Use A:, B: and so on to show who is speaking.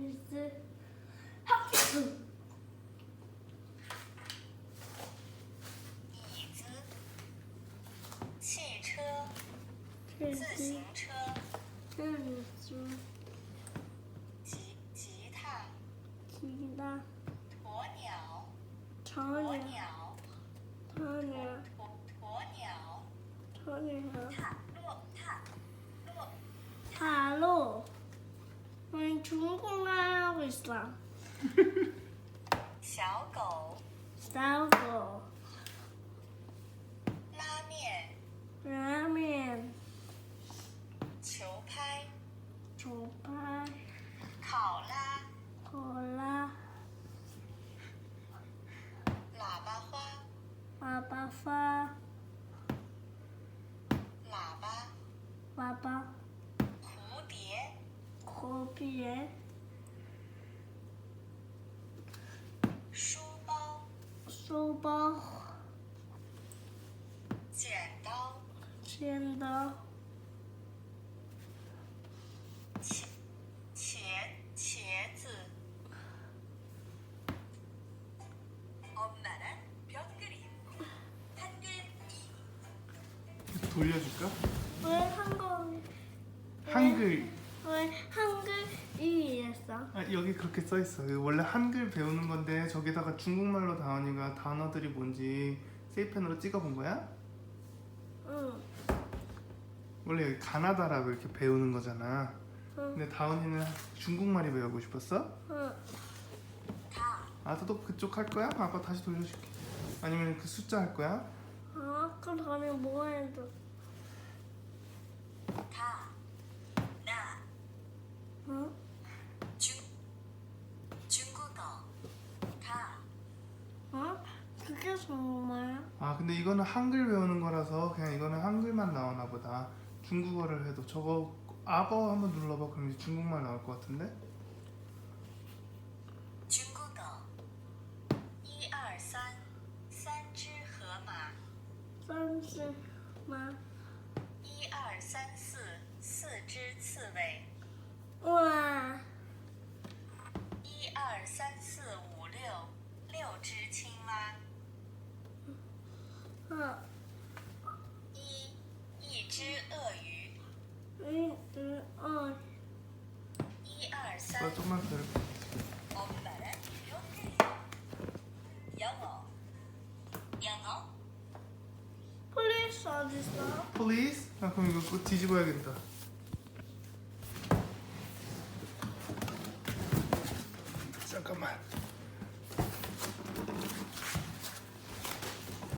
A: police.
B: 椅子、汽车、自行车、吉他、鸵鸟、鸵鸟、鸵鸟、
A: 塔洛，我中国啊，为啥？
B: 小狗、
A: 小狗，
B: 拉面、
A: 拉面，
B: 球拍、
A: 球拍，
B: 考拉、
A: 考拉，
B: 喇叭花、
A: 喇叭花，
B: 喇叭、
A: 喇叭，
B: 蝴蝶、
A: 蝴蝶，
B: 书包、
A: 书包，
B: 剪刀、
A: 剪刀，
B: 茄子。 엄마는 벽그림, 한글 2.
C: 돌려줄까?
A: 왜 한국
C: 한글.
A: 왜 한글 이했어?
C: 아, 여기 그렇게 써 있어. 원래 한글 배우는 건데 저기다가 중국말로 다원이가 단어들이 뭔지 세이펜으로 찍어본 거야?
A: 응.
C: 원래 여기 가나다라고 이렇게 배우는 거잖아.
A: 응.
C: 근데 다원이는 중국말이 배우고 싶었어?
A: 응.
C: 아, 또 그쪽 할 거야? 아빠 다시 돌려줄게. 아니면 그 숫자 할 거야?
A: 아, 그럼 뭐 해도?
B: 다, 나,
A: 응?
B: 중국어, 다.
A: 어? 그게 정말?
C: 아, 근데 이거는 한글 배우는 거라서 그냥 이거는 한글만 나오나 보다. 중국어를 해도 저거 아버 한번 눌러봐. 그럼 이제 중국말 나올 것 같은데?
B: 중국어 1, 2, 3, 3只河马
A: 30만.
B: 1, 2, 3, 4, 4只刺猬
A: 우와.
B: 1, 2, 3, 4, 5, 6, 6只青蛙
A: 어.
B: 一只鳄鱼
A: 응.
B: 1, 2, 3
C: 나 좀만 더 이렇게.
B: 엄마는 벽그림 영어
A: 폴리스 어딨어?
C: Please? 아, 그럼 이거 꼭 뒤집어야겠다. 잠깐만.